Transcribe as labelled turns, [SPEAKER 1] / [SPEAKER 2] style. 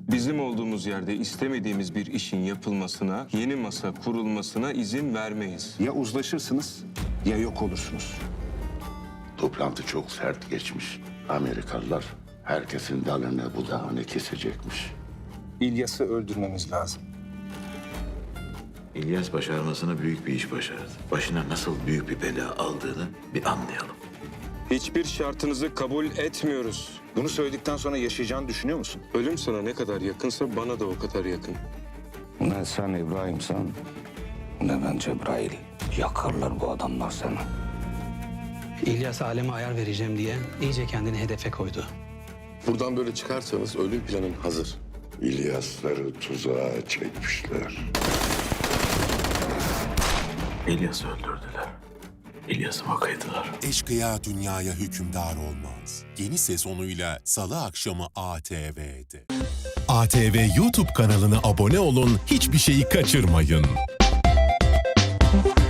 [SPEAKER 1] Bizim olduğumuz yerde istemediğimiz bir işin yapılmasına, yeni masa kurulmasına izin vermeyiz.
[SPEAKER 2] Ya uzlaşırsınız ya yok olursunuz.
[SPEAKER 3] Toplantı çok sert geçmiş. Amerikalılar herkesin dalını budağını kesecekmiş.
[SPEAKER 2] İlyas'ı öldürmemiz lazım.
[SPEAKER 4] İlyas başarmasına büyük bir iş başardı. Başına nasıl büyük bir bela aldığını bir anlayalım.
[SPEAKER 1] Hiçbir şartınızı kabul etmiyoruz.
[SPEAKER 2] Bunu söyledikten sonra yaşayacağını düşünüyor musun?
[SPEAKER 1] Ölüm sana ne kadar yakınsa bana da o kadar yakın.
[SPEAKER 5] Ne sen İbrahim'sen ne ben Cebrail. Yakarlar bu adamlar seni.
[SPEAKER 6] İlyas aleme ayar vereceğim diye iyice kendini hedefe koydu.
[SPEAKER 7] Buradan böyle çıkarsanız ölüm planın hazır.
[SPEAKER 3] İlyasları tuzağa çekmişler.
[SPEAKER 4] İlyas'ı öldürdüler. İlyas'ı bakaydılar.
[SPEAKER 8] Eşkıya dünyaya hükümdar olmaz. Yeni sezonuyla Salı akşamı ATV'de. ATV YouTube kanalına abone olun, hiçbir şeyi kaçırmayın.